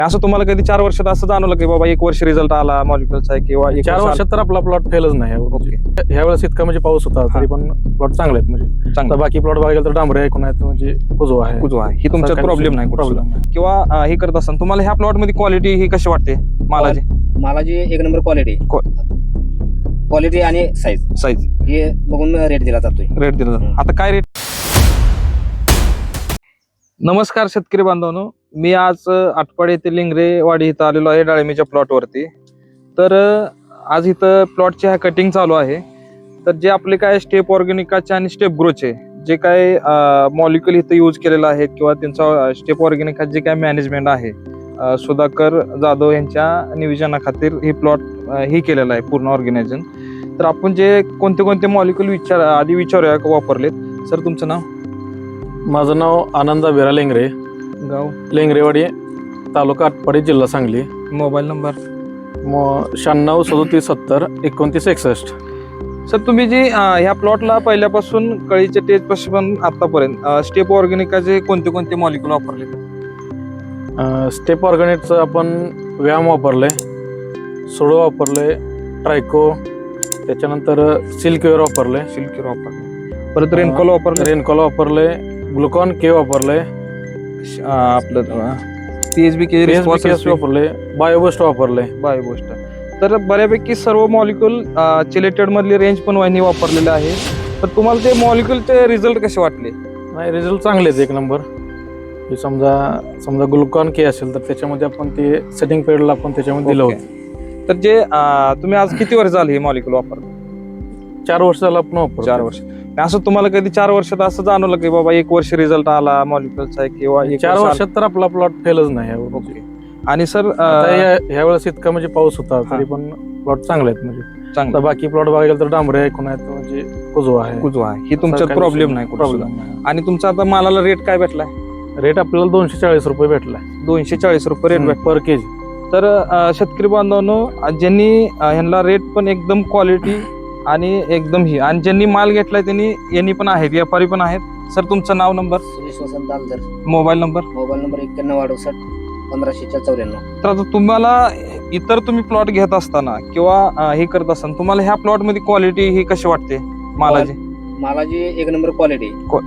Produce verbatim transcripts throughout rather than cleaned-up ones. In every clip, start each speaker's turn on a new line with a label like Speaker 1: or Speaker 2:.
Speaker 1: असं तुम्हाला कधी चार वर्षात असं जाणवलं की बाबा एक वर्ष रिझल्ट आला मॉलिक्युलचा किंवा एक
Speaker 2: चार
Speaker 1: वर्ष
Speaker 2: वर्षात तर आपला प्लॉट फेलच नाही
Speaker 1: ओके.
Speaker 2: ह्या वेळेस इतका म्हणजे पाऊस होता तरी पण प्लॉट चांगले आहेत म्हणजे
Speaker 1: चांगलं
Speaker 2: तर बाकी प्लॉट बघायला तर डांबरे ऐकून आहेत म्हणजे कुजवा आहे
Speaker 1: कुजवा आहे. ही तुमच्यात प्रॉब्लेम नाही कुठं
Speaker 2: प्रॉब्लेम नाही
Speaker 1: किंवा अं, हे करत असताना तुम्हाला ह्या प्लॉट मध्ये क्वालिटी ही कशी वाटते मालाची
Speaker 3: मालाची एक नंबर क्वालिटी क्वालिटी आणि साईज
Speaker 1: साईज
Speaker 3: हे बघून रेट दिला जातोय.
Speaker 1: रेट दिला जातो. आता काय रेट? नमस्कार शेतकरी बांधवांनो, मी आज आटपाड येथे लिंगरेवाडी इथं आलेलो आहे डाळिंबीच्या प्लॉटवरती. तर आज इथं प्लॉटची हा कटिंग चालू आहे. तर जे आपले काय स्टेप ऑर्गॅनिकाचे आणि स्टेप ग्रोचे जे काय मॉलिक्युल इथं यूज केलेलं आहे किंवा त्यांचा स्टेप ऑर्गॅनिका जे काय मॅनेजमेंट आहे सुधाकर जाधव यांच्या नियोजनाखातीर हे प्लॉट हे केलेलं आहे पूर्ण ऑर्गॅनायझेशन. तर आपण जे कोणते कोणते मॉलिक्युल विचार आधी विचारूया वापरलेत. सर तुमचं नाव?
Speaker 2: माझं नाव आनंद बिरा लेंगरे,
Speaker 1: गाव
Speaker 2: लेंगरेवाडी, तालुका आटपाडी, जिल्हा सांगली.
Speaker 1: Mobile number?
Speaker 2: मग शहाण्णव सदोतीस सत्तर एकोणतीस एकसष्ट.
Speaker 1: सर तुम्ही जी ह्या प्लॉटला पहिल्यापासून कळीच्या टेज पासून आतापर्यंत स्टेप ऑर्गॅनिकाचे कोणते कोणते मॉलिक्युल वापरले?
Speaker 2: स्टेप ऑर्गॅनिकचं आपण व्यायाम वापरले, सोडो वापरले, ट्रायको, त्याच्यानंतर सिल्कवेअर वापरले,
Speaker 1: सिल्कवेअर वापरले, परत रेनकॉल वापरले,
Speaker 2: रेनकॉल वापरले, ग्लुकॉन के वापरले,
Speaker 1: आपलं पीएचबी के
Speaker 2: वापरले, बायोबूस्ट वापरले,
Speaker 1: बायोबूस्ट. तर बऱ्यापैकी सर्व मॉलिक्युल चिलेटेड मधली रेंज पण वाहिनी वापरलेले आहे. तर तुम्हाला ते मॉलिक्युलचे रिझल्ट कसे वाटले?
Speaker 2: नाही रिझल्ट चांगलेच एक नंबर. हे समजा समजा ग्लुकॉन के असेल तर त्याच्यामध्ये आपण ते सेटिंग पिरियडला आपण त्याच्यामध्ये दिलं होतं.
Speaker 1: तर जे तुम्ही आज किती वर्ष झाले हे मॉलिक्युल वापरतो?
Speaker 2: चार वर्ष झालं आपण वापरतो.
Speaker 1: चार वर्ष. असं तुम्हाला कधी चार वर्षात असं जाणवलं की बाबा एक वर्ष रिझल्ट आला मॉलिक्युलचा किंवा
Speaker 2: चार वर्षात तर आपला प्लॉट फेलच नाही.
Speaker 1: ओके. आणि सर
Speaker 2: ह्या वेळेस इतका म्हणजे पाऊस होता तरी पण प्लॉट चांगले आहेत म्हणजे
Speaker 1: चांगलं
Speaker 2: बाकी प्लॉट बघायला तर डांबरे ऐकून आहेत म्हणजे कुजवा आहे
Speaker 1: कुजवा आहे. ही तुमच्यात प्रॉब्लेम नाही
Speaker 2: प्रॉब्लेम नाही.
Speaker 1: आणि तुमचा आता मालाला रेट काय भेटलाय?
Speaker 2: रेट आपल्याला दोनशे चाळीस रुपये भेटलाय.
Speaker 1: दोनशे चाळीस रुपये रेट भेट
Speaker 2: पर केजी.
Speaker 1: तर शेतकरी बांधवांनो, ज्यांनी ह्यांना रेट पण एकदम क्वालिटी आणि एकदम ही आणि ज्यांनी माल घेतलाय त्यांनी यांनी पण आहेत, व्यापारी पण आहेत. सर तुमचं नाव, number?
Speaker 3: Suresh Vasant Daldar,
Speaker 1: mobile number?
Speaker 3: Mobile number एक्क्याण्णव अडुसष्ट पंधराशे चौऱ्याण्णव.
Speaker 1: तर आता तुम्हाला इतर तुम्ही प्लॉट घेत असताना किंवा हे करत असताना तुम्हाला ह्या प्लॉट मध्ये क्वालिटी ही कशी वाटते मालाची?
Speaker 3: मालाची एक नंबर क्वालिटी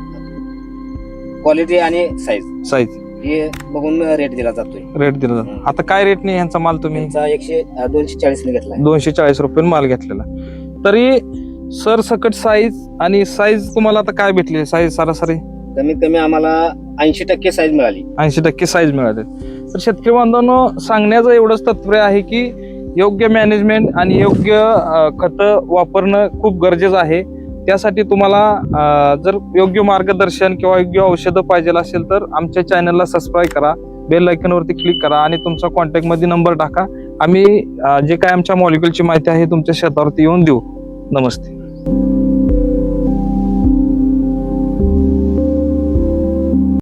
Speaker 3: क्वालिटी आणि साईज
Speaker 1: साईज
Speaker 3: हे बघून रेट दिला जातोय.
Speaker 1: रेट दिला जातो. आता काय रेटने ह्यांचा माल तुम्ही?
Speaker 3: त्यांचा एकशे दोनशे चाळीस ने घेतला.
Speaker 1: दोनशे चाळीस रुपये माल घेतलेला. तरी सर सकट साईज आणि साईज तुम्हाला आता काय भेटली? साईज सरासरी
Speaker 3: कमीत कमी आम्हाला ऐंशी टक्के साईज मिळाली.
Speaker 1: ऐंशी टक्के साईज मिळाले. तर शेतकरी बांधवांनो, सांगण्याचं एवढंच तात्पर्य आहे की योग्य मॅनेजमेंट आणि योग्य खतं वापरणं खूप गरजेचं आहे. त्यासाठी तुम्हाला जर योग्य मार्गदर्शन किंवा योग्य औषधं पाहिजे असेल तर आमच्या चॅनलला सबस्क्राईब करा, बेल आयकॉनवरती क्लिक करा आणि तुमचा कॉन्टॅक्टमध्ये नंबर टाका. आम्ही जे काय आमच्या मॉलिक्युलची माहिती आहे तुमच्या शेतावरती येऊन देऊ. नमस्ते.